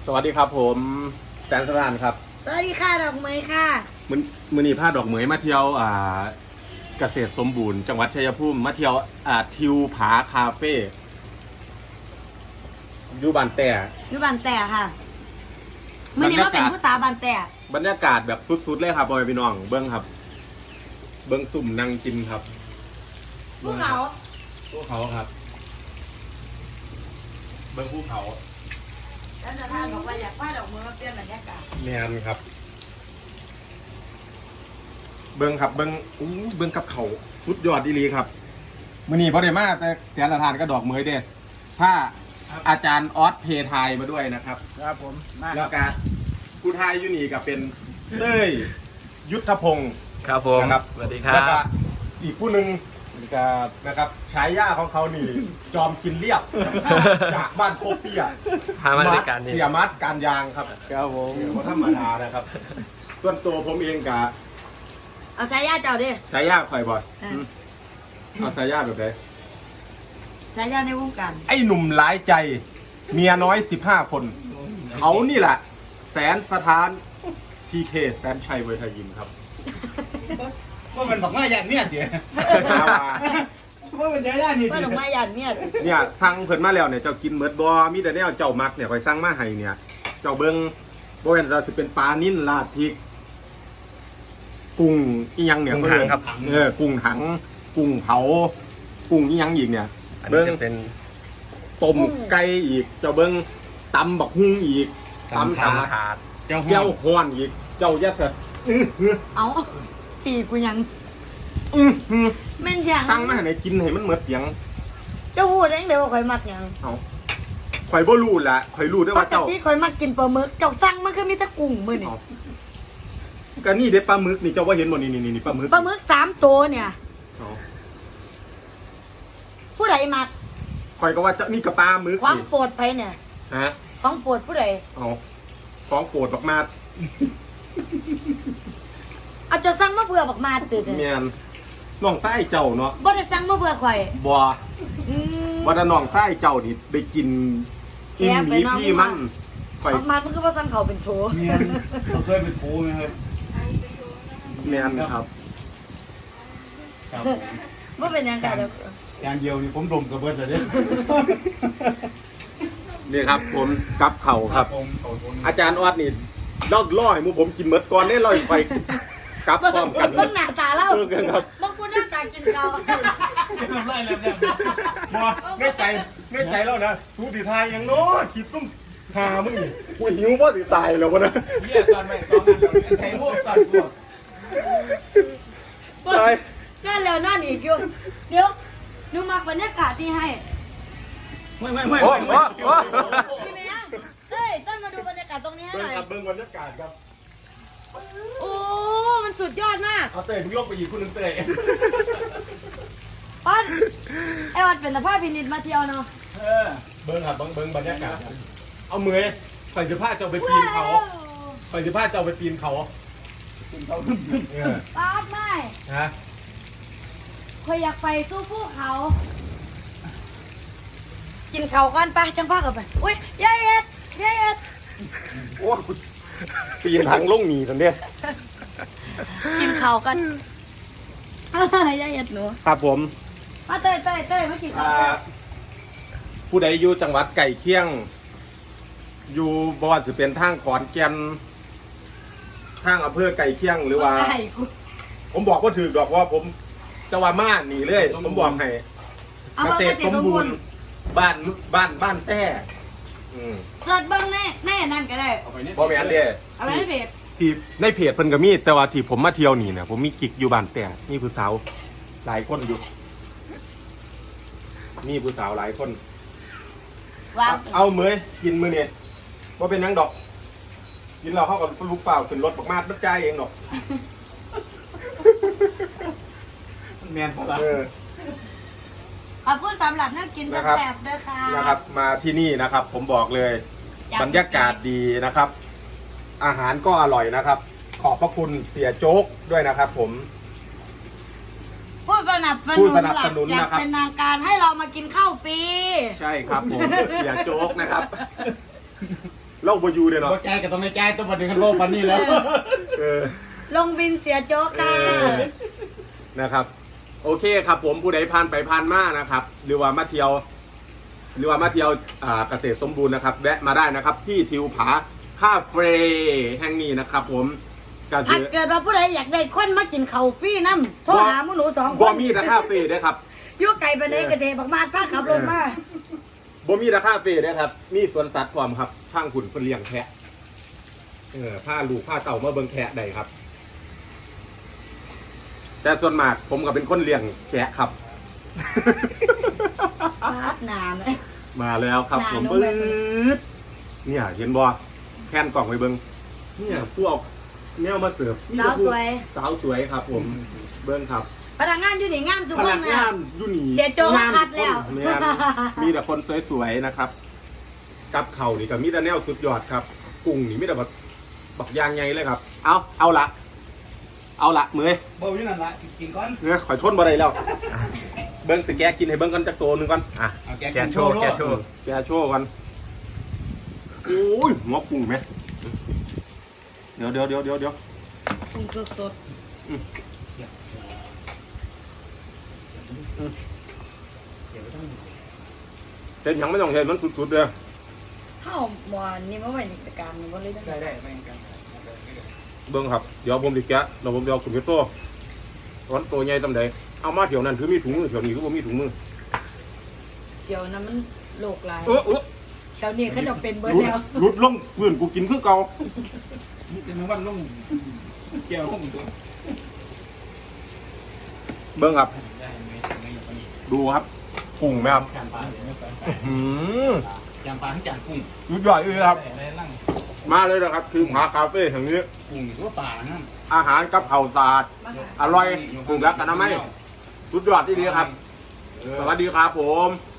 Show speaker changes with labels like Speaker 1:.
Speaker 1: สวัสดีครับผมแสนสรานครับ
Speaker 2: สวัสดีค่ะดอกไม้ค่ะ
Speaker 1: มือนีพาดอกเหมยมาเที่ยวเกษตรสมบูรณ์จังหวัดชัยภูมิมาเที่ยวทิวผาคาเฟ่อยู่บานแต่
Speaker 2: อยู่บางแต่ค่ะมื่อนี้ว่าเป็นผู้สาวบางแต่
Speaker 1: บรรยากาศแบบสุดๆเลยครับพ่อแม่พี่น้องเบิ้งครับ เบิ้งสุ่มนางกินครับ
Speaker 2: ภูเขา
Speaker 1: ครับ เบิ้งภูเขา
Speaker 2: แล้วจะทานบอกว่าอยากว่าดอกไม้มาเปลี่ยนบรรยากาศ
Speaker 1: แมนครับ เบิ้งครับเบิ้งกับเขาสุดยอดดีลีครับมือนี้พอได้มาแต่แสนละทานก็ดอกเหมยเด้ถ้าอาจารย์ออสเพทายมาด้วยนะครับ
Speaker 3: ครับผม
Speaker 1: แล้วก็ผู้ทายยูนี่ก็เป็นเต้ยยุทธพงศ์
Speaker 3: ครับผม
Speaker 1: นะครับ
Speaker 3: สวัสดีครับ
Speaker 1: แล้วก็อีกผู้หนึ่งนะครับฉายาของเขานี่ จอมกินเรียบจากบ้านโคเปีย
Speaker 3: มาด้วยกัน
Speaker 1: เสียมัดการยางครับ
Speaker 3: ครับผม
Speaker 1: ธรรมดานะครับ ส่วนตัวผมเองกับ
Speaker 2: เอาสายยาเจ้าดิ
Speaker 1: ฉายาใครบ่อยเอาฉายาแบบไหน
Speaker 2: สายยาในวงการ
Speaker 1: ไอ้หนุ่มหลายใจเมียน้อย15 คนเขานี่แหละแสนสถานทีเคแสนชัยเวทยิมครับ
Speaker 3: ว่ามันบอกว่าอย่างเนี้ยเดี๋ยวว่ามันย่านี่
Speaker 2: ว่าดอกไม้ยัน
Speaker 1: เนี่ยสั่งเพิ่นมาแล้วเนี่ยเจ้ากินเมิดบ่มีแต่แนวเจ้ามักเนี่ยคอยสั่งมาให้เนี่ยเจ้าเบิ่งบ่แม่นจะสิเป็นปลานิ่นลาดพริกกุ้งอีหยังเนี่ย
Speaker 3: กุ้งถังครับ
Speaker 1: กุ้งถังกุ้งเผากุ้งอีหยังอีกเนี่ย
Speaker 3: เบิ่งเป็น
Speaker 1: ต้มไก่อีกเจ้าเบิ่งตำบักฮุ่งอีก
Speaker 3: ตำถาด
Speaker 1: เจ้าฮ้อนอีกเจ้ายัด
Speaker 2: เอาตีกูยังแม่นยัง
Speaker 1: สั่งมาให้กินให้มันเหมือนเสียง
Speaker 2: เจ้าพูดเองเดี๋ยวข่อยมักยัง
Speaker 1: เอาข่อยบ่รู้แหละข่อยรู้ได้ว่าเจ้า
Speaker 2: ปกติข่อยมักกินปลาหมึกเจ้าสั่งมันคือมีแต่กุ้งมื้อนี่
Speaker 1: ก็นี่เด้ปลาหมึกนี่เจ้าว่าเห็นบ่นี่ปลาหมึ
Speaker 2: ก3 ตัวเนี่ยผู้ใดมัก
Speaker 1: ข่อยก็ว่าเจ้านี่กับปลาหมึก
Speaker 2: ของโปรดไผเนี่ย
Speaker 1: ฮะ
Speaker 2: ของโปรดผู้ใด
Speaker 1: เอาของโปรดบักมา
Speaker 2: เอาจะสั่งมาเบื่อบักมาตื่น
Speaker 1: แม่นน้องไส้เจ้าเนาะ
Speaker 2: บ่ได้สั่งมาเบื่อข่อย
Speaker 1: บ่ว่าแต่น้องไส้เจ้านี่ได้กินอิ่มมีพี่มัน
Speaker 2: ข่อยบักมามันก็บ่สั่งเขาเป็นโถ
Speaker 3: แม่นเราเคยเป็นโถมั้ยครับ
Speaker 1: แม่นครับ
Speaker 2: บ่เป็นหยังกัน
Speaker 3: อย่างเดียวนี่ผมดมกระเบิดเลยเด้
Speaker 1: นี่ครับผมกับเข่าครับอาจารย์ออดนี่ล่อให้หมูผมกินเมดก่อนได้ล่อไปกับพร้อมกัน
Speaker 2: เบิ่งหน้าตาเรา
Speaker 1: ครับ
Speaker 2: บางคนหน้าตากินเกา
Speaker 3: ไล่แล้วเนี่ย
Speaker 1: บ่ไม่ใจแล้วนะทูดีไทยยังโน้คิดตุ้มหามึงนี่กูหิวบ่สิตายแล้ววะนะ
Speaker 3: เหี้ยซ่อนไม่ซ่อนนั่นแล้วใช้พวกซ่อนพวก
Speaker 1: ตาย
Speaker 2: นั่นแล้วนั่นอีกอยู่เดี๋ยวหนูมักบรรยากาศที่ให้
Speaker 3: ไม่พี่แ
Speaker 2: ม่เฮ้ยต้นมาดูบรรยากาศตรงนี้ให้หน่อย
Speaker 1: เบิ่งบรรยากาศครับ
Speaker 2: โอ้มันสุดยอดมาก
Speaker 1: เอาเตยมึงยกไปอีกคนนึงเตย
Speaker 2: ป้อนไอ้วัดเป็นสภาพพินิจมาเที่ยวเนาะ
Speaker 1: เบิ่งครับเบิ่งบรรยากาศเอามือใส่เสื้อผ้าเจ้าไปปีนเขาใส่เสื้อผ้าเจ้าไปปีนเขา
Speaker 2: ป้าไม่
Speaker 1: ฮะ
Speaker 2: เคยอยากไปสู้ภูเขากินเขากันปะจังพากันไปอุ้ยยายเอ็ด
Speaker 1: โอ้ปีนทางลงหนีตอนเนี้ย
Speaker 2: กินเขากันยายเอ็ดหนู
Speaker 1: ครับผม
Speaker 2: มาเตยมากินเขา
Speaker 1: ผู้ใดอยู่จังหวัดไก่เคียงอยู่บ่ว่าจะเป็นทางขอนแก่นทางอำเภอไก่เคียงหรือว่าผมบอกว่าถือดอกว่าผมจะว่าม่าหนีเลยผมบอกให้เกษตรสมบูรณ์บ้านแต้
Speaker 2: เกิดเบิ้งแน่นั่นก็ได้
Speaker 1: บ่แม่นเด้
Speaker 2: เอาไว้ในเพจ
Speaker 1: ที่ในเพจเพิ่นก็มีแต่ว่าที่ผมมาเที่ยวนี่นะผมมีกิ๊กอยู่บ้านแต้มีผู้สาวหลายคนอยู่มีผู้สาวหลายคนเอาเมยกินมื้อนี้บ่เป็นหยังดอกกินเราเข้ากับลูกเปล่าขึ้นรถบักมาดจ่ายเองดอก
Speaker 3: แม่นพอละ
Speaker 2: ขอบคุณสำหรับนักกินแซ่บๆด้วยค่ะ
Speaker 1: นะครับมาที่นี่นะครับผมบอกเลยบรรยากาศดีนะครับอาหารก็อร่อยนะครับขอบพระคุณเสียโจ๊กด้วยนะครับผม
Speaker 2: ผู้สนับสนุนอยากเป็นทางการให้เรามากินข้าวฟรี
Speaker 1: ใช่ครับผมเสียโจ๊กนะครับเราเราบ่อยู่เด้เนาะ
Speaker 3: บ่ใจก็ต้องในใจต้องมาดึงกันโลกปันนี้แล้ว
Speaker 1: เออ
Speaker 2: ลงบินเสียโจ๊กค่ะ
Speaker 1: นะครับ โอเคครับผมผู้ใดผ่านไปผ่านมานะครับ หรือว่ามาเที่ยวเกษตรสมบูรณ์นะครับแวะมาได้นะครับ ที่ทิวผาคาเฟ่แห่งนี้นะครับผมก็
Speaker 2: ถ้า
Speaker 1: คือ
Speaker 2: เกิดว่าผู้ใดอยากได้คนมากินข้าวฟรีน้ำโทรหาหมูหนู2 ค
Speaker 1: บ่
Speaker 2: น
Speaker 1: มีแต่คาเฟ่เด้อครับ
Speaker 2: อยู่ไกลไปไหนกระเทบักมาดพาขับรถมา
Speaker 1: บ่มีแต่คาเฟ่เด้อครับ มีสวนสัตว์พร้อมครับทางขุนเพิ่นเลี้ยงแพะผ้าลูกผ้าเต่ามาเบิ่งแพะได้ครับ แต่ส่วนมากผมก็เป็นคนเลี้ยงแกะครับ
Speaker 2: ปาดหนาไหม
Speaker 1: มาแล้วครับ
Speaker 2: หนา
Speaker 1: ผม
Speaker 2: นุ่ม
Speaker 1: ปื๊
Speaker 2: แบบ
Speaker 1: ดเนี่ยเห็นบ่แผ่นกล่องไปเบิ่งเนี่ยพวกแนวมาเสิร์ฟมี
Speaker 2: สา
Speaker 1: แต่
Speaker 2: ว
Speaker 1: พก
Speaker 2: สวย
Speaker 1: สาวสวยครับ ผมเบิ่งครับ
Speaker 2: พนักงานอยู่นี่งามสุด
Speaker 1: พ
Speaker 2: ค
Speaker 1: นั
Speaker 2: น
Speaker 1: ก
Speaker 2: นะ
Speaker 1: งานอยู่นี่
Speaker 2: เสียโจ้ก็คัดแล้ว
Speaker 1: แม่นมีแต่คนสวยๆนะครับ กับเข่าวนี่ก็มีแต่แนวสุดยอดครับกุ้งนี่มีแต่แบบบักยางไงเลยครับ เอาละเมื่อย
Speaker 3: บ่อยู่นั่นละกินก่อน
Speaker 1: เนื้อข่อยทนบ่ได้แล้ว เบิ้งสิแกกินให้เบิ้งกันจักโตหนึงก่อน
Speaker 4: อ่ะ
Speaker 3: เอา
Speaker 4: แกโชว์แกโชว์
Speaker 1: แกโชว์กันโอ้ยหัวกุ้งไหมเดี๋ยว
Speaker 2: ปรุงสด
Speaker 1: เห็นหยังไม่ต้องเห็นมันสุดๆเลย
Speaker 2: ๆข้าวหมอนี่มาไว้ในกิจการมันบ่เลยนะ
Speaker 3: ได้ไม่กัน
Speaker 1: เบิ้งครับ เดี๋ยวผมดิแกะเราผมจะเอาขึ้นไปโซ่ร้อนตัวใหญ่ตำใดเอามาเถียวนั้นคือมีถุงมือเถียวนี้คือบ่มีถุงมือ
Speaker 2: เดี๋ยวนั้นมันโลกหลาย
Speaker 1: เออ
Speaker 2: แถวนี้เขาจะเป็นเบอร์
Speaker 1: หลุด
Speaker 2: แล้ว
Speaker 1: หลุดลงพื้นกูกินคือเก่า
Speaker 3: นี่จะมาวันลงแก้วห้องตัว
Speaker 1: เบิ้งครับ
Speaker 3: ได้ไหมไม่อย่างนี้
Speaker 1: ดูครับกุ้งไหมครับ
Speaker 3: จานปลาไม่ใส่
Speaker 1: อืม
Speaker 3: จานปลาทั้งจานกุ้ง
Speaker 1: สุดยอดเลยครับ
Speaker 3: ได้นั่ง
Speaker 1: มาเลยนะครับคือหาคาเฟ่แห่งนี้
Speaker 3: กุ้งตัวปลานั่น
Speaker 1: อาหารกับข้าวสะอาดอร่อยกุ้งรักกันนะไหมสุดยอดที่ดีครับ สวัสดีครับผม